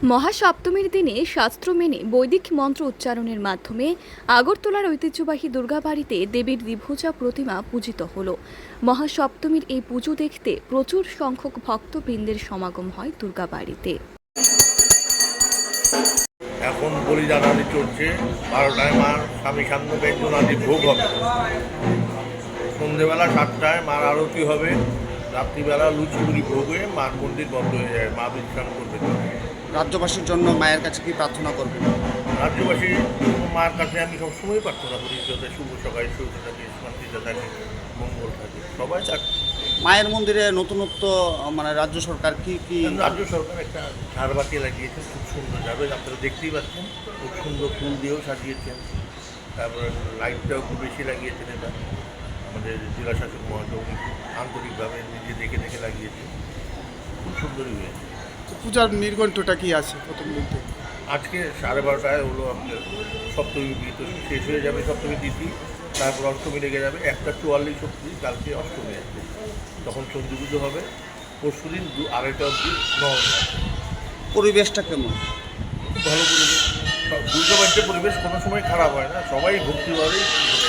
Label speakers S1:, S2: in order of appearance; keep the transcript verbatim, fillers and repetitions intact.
S1: মহাসপ্তমীর দিনে শাস্ত্র মেনে বৈদিক মন্ত্র উচ্চারণের মাধ্যমে আগরতলার ঐতিহ্যবাহী দুর্গাবাড়িতে দেবীর দ্বিভুজা প্রতিমা পূজিত হল। মহাসপ্তমীর এই পুজো দেখতে প্রচুর সংখ্যক ভক্তবৃন্দের সমাগম হয় দুর্গাবাড়িতে।
S2: এখন বলিদান আদি চলছে, বারোটায় মার স্বামী সান্ন ব্যঞ্জন আদি ভোগ হবে, সন্ধেবেলা সাতটায় মার আরতি হবে, রাত্রিবেলা লুচি মুড়ি ভোগ হয়ে মার মন্দির বন্ধ হয়ে যায়, মা বিশ্রাম করবে।
S3: রাজ্যবাসীর জন্য মায়ের কাছে কি প্রার্থনা করবেন?
S2: রাজ্যবাসী মার কাছে আমি সবসময় প্রার্থনা করি যাতে শুভ সকালে সুখে থাকে, শান্তিতে থাকে, মঙ্গল থাকে, সবাই থাকে।
S3: মায়ের মন্দিরে নতুনত্ব মানে রাজ্য সরকার কি কি
S2: রাজ্য সরকার একটা ঝাড়বাতি লাগিয়েছে, খুব সুন্দর যাবে, আপনারা দেখতেই পাচ্ছেন, খুব সুন্দর ফুল দিয়েও সাজিয়েছেন। তারপরে লাইটটাও খুব বেশি লাগিয়েছেন, এটা আমাদের জেলা শাসক মহাশয় আন্তরিকভাবে নিজে দেখে দেখে লাগিয়েছে, খুব সুন্দরই হয়েছে।
S4: পূজার নির্ঘণ্টটা কি আছে প্রথম দিন থেকে?
S2: আজকে সাড়ে বারোটায় হলো আপনার সপ্তমী বিহিত শেষ হয়ে যাবে, সপ্তমী তিথি, তারপর অষ্টমী লেগে যাবে, একটা চুয়াল্লিশ অব্দি, কালকে অষ্টমী আসবে, তখন চন্ডী পুজো হবে, পরশু দিন দু আড়াইটা অব্দি নবমী আসবে।
S3: পরিবেশটা কেমন?
S2: খুব ভালো পরিবেশ, দুর্গা বাড়িতে পরিবেশ কোনো সময় খারাপ হয় না, সবাই ভক্তিভাবেই